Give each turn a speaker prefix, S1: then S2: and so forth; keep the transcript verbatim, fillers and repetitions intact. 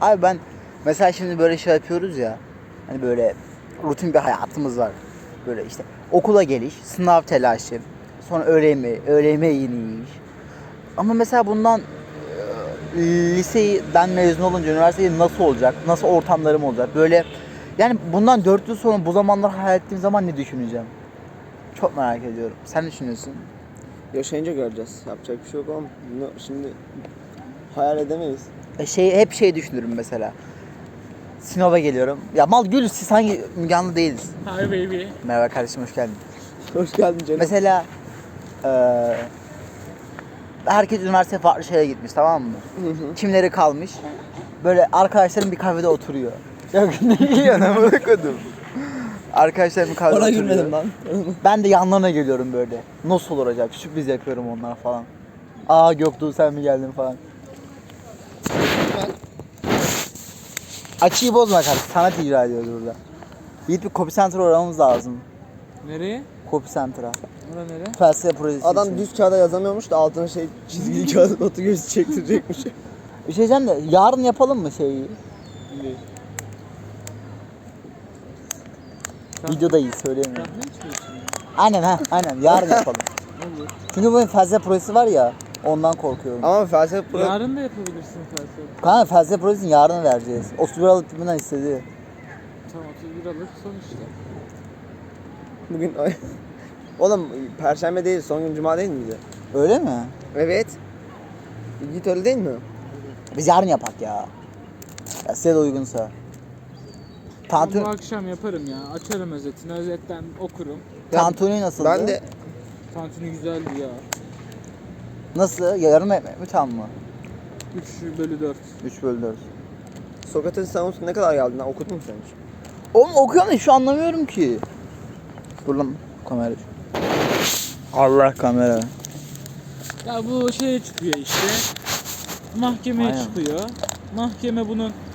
S1: Abi ben mesela şimdi böyle şey yapıyoruz ya. Hani böyle rutin bir hayatımız var. Böyle işte okula geliş, sınav telaşı, sonra öğle yemeği, öğle yemeği yeni yiyiş. Ama mesela bundan e, liseden mezun olunca üniversitede nasıl olacak? Nasıl ortamlarım olacak? Böyle yani bundan dört yıl sonra bu zamanlar hayal ettiğim zaman ne düşüneceğim? Çok merak ediyorum. Sen ne düşünüyorsun?
S2: Yaşayınca göreceğiz. Yapacak bir şey yok ama bunu şimdi hayal edemeyiz.
S1: E şey hep şey düşünürüm mesela. Sinop'a geliyorum. Ya mal gül siz hangi Müge Anlı değiliz.
S3: Hi baby.
S1: Merhaba kardeşim hoş geldin.
S2: Hoş geldin canım.
S1: Mesela eee herkes üniversiteye farklı şeye gitmiş tamam mı?
S2: Hı hı.
S1: Kimleri kalmış? Böyle arkadaşlarım bir kahvede oturuyor. Ya ne yiyorsun amına koydum. Arkadaşlarım bir kahvede
S2: Bana
S1: oturuyor.
S2: gülmedim lan.
S1: Ben de yanlarına geliyorum böyle. Nasıl olur acaba? Sürpriz yapıyorum onlara falan. Aa Göktuğ sen mi geldin falan. Açıyı bozma kardeşim. Sanat icra ediyoruz burada. Yiğit bir copy center uğramamız lazım.
S3: Nereye?
S1: Copy center'a.
S3: Bura nere?
S1: Felsefe projesi
S2: Adam
S1: için.
S2: düz kağıda yazamıyormuş da altına şey çizgili kağıt notu gözü çektirecekmiş.
S1: Bir şey diyeceğim de yarın yapalım mı şeyi? Videodayız söyleyemiyorum.
S3: Kahve içmiyorsun.
S1: Aynen ha aynen yarın yapalım.
S3: Olur.
S1: Çünkü bu felsefe projesi var ya ondan korkuyorum.
S2: Ama felsefe pro...
S3: Yarın da yapabilirsin felsefe.
S1: Kanka felsefe projesini yarın vereceğiz. otuz bir Aralık gününden istedi.
S3: Tamam otuz bir Aralık sonuçta.
S2: Bugün... Oğlum Perşembe değil, son gün Cuma değil miydi?
S1: Öyle mi?
S2: Evet. Git öyle değil mi?
S1: Biz yarın yapak ya. Ya size de uygunsa.
S3: Ben bu
S1: Tantuni,
S3: akşam yaparım ya. Açarım özetini. Özetten okurum.
S1: tantuni nasıldı?
S2: Ben de
S3: Tantuni güzeldi ya.
S1: Nasıl? Yarım ekmek mi tam mı?
S3: üç bölü dört.
S1: üç bölü dört.
S2: Sokrates'in savunusu ne kadar geldi lan? Okudun mu sen hiç?
S1: Oğlum okuyorum da şu anlamıyorum ki. Dur lan kamera. Allah kamera.
S3: Ya bu şeye çıkıyor işte. Mahkemeye
S1: Aynen.
S3: çıkıyor. Mahkeme bunun